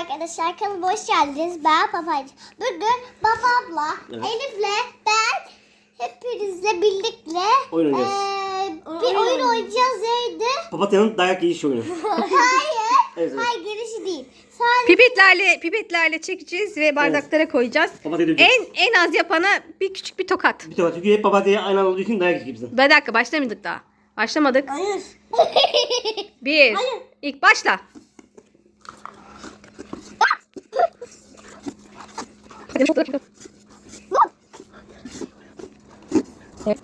arkadaşlar, kanalıma hoş geldiniz. Ben Papacığım. Bugün babamla, Evet. Elif'le ben hepinizle birlikte Oyun oynayacağız. bir oyun oynayacağız. Neydi? Papatya'nın dayak yiyiş oyunu. Hayır. Evet. Hayır, girişi değil. Sadece Pipetlerle çekeceğiz ve bardaklara koyacağız. Papatya döveceğiz. En az yapana bir küçük bir tokat. Bir tokat. Çünkü hep papatya'ya aynı anda olduğu için dayak yiyiz bizden. Bir dakika başlamadık daha. Başlamadık. hayır. Bir. Hayır. İlk başla. Evet.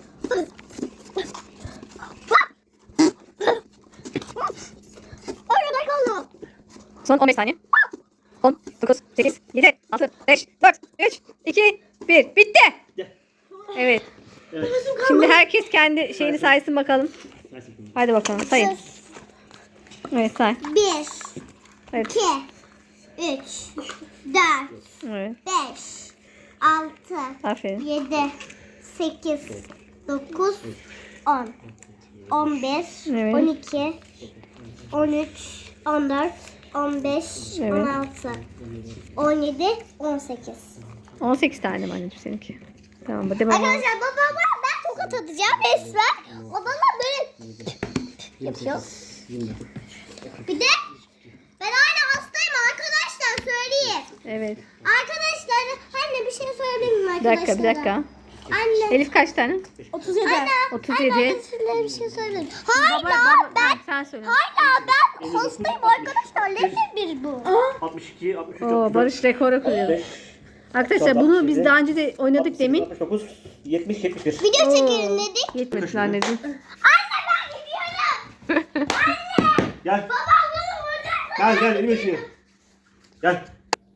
Son 15 saniye. 10, 9, 8, 7, 6, 5, 4, 3, 2, 1. Bitti. Gel. Evet. Evet. Şimdi herkes kendi şeyini saysın bakalım. Hadi bakalım sayın. Evet say. 1, Evet. 2, 3, 4, Evet. 5, 6, Aferin. 7, 8, 9, 10, 11, Evet. 12, 13, 14, 15, Evet. 16, 17, 18. 18 tane mi anneciğim seninki? Tamam hadi bakalım. Arkadaşlar babama ben tokat atacağım resmen. O bana böyle yapıyor. Bir de ben hala hastayım arkadaşlar, söyleyeyim. Evet. Arkadaşlar anne bir şey söyleyebilir miyim Bir arkadaşlara? dakika bir dakika. Anne. Elif kaç tane? 37. Anne. 37. Anne arkadaşlara bir şey söyleyelim. Hala Ha, sen söyle. hala ben hastayım arkadaşlar. Nedir bir bu? 62, 63, Oo, 64, Barış rekoru kırıyor. 65, Arkadaşlar bunu biz daha önce de oynadık 68, demin. 69, 70, 71. Video çekelim dedik. Yetmedi anneciğim. Anne ben gidiyorum. Gel. Babam bunu vuracak. Gel elime işine. Gel.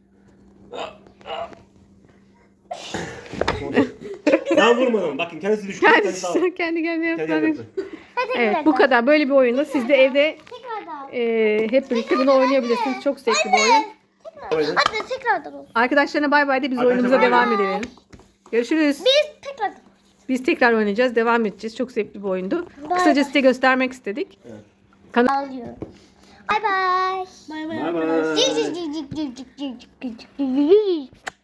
Ben vurmadım. Bakın kendisi düştü. Kendisi aldı. Kendi kendine Kendi yaptı. yaptı. Hadi Evet bu kadar. Böyle bir oyunda siz de evde Tekrardan. hep birlikte bunu oynayabilirsiniz. Çok zevkli bir oyun. Oyun. Hadi tekrardan olsun. Arkadaşlarına bay bay de biz Arkadaşlar oyunumuza bay bay. devam edelim. Görüşürüz. Biz tekrardan. Biz tekrar oynayacağız. Devam edeceğiz. Çok zevkli bir oyundu. Bay Kısaca bay. size göstermek istedik. Alıyorum. Bay bay. Bay bay. Cik cik cik cik cik cik cik cik cik.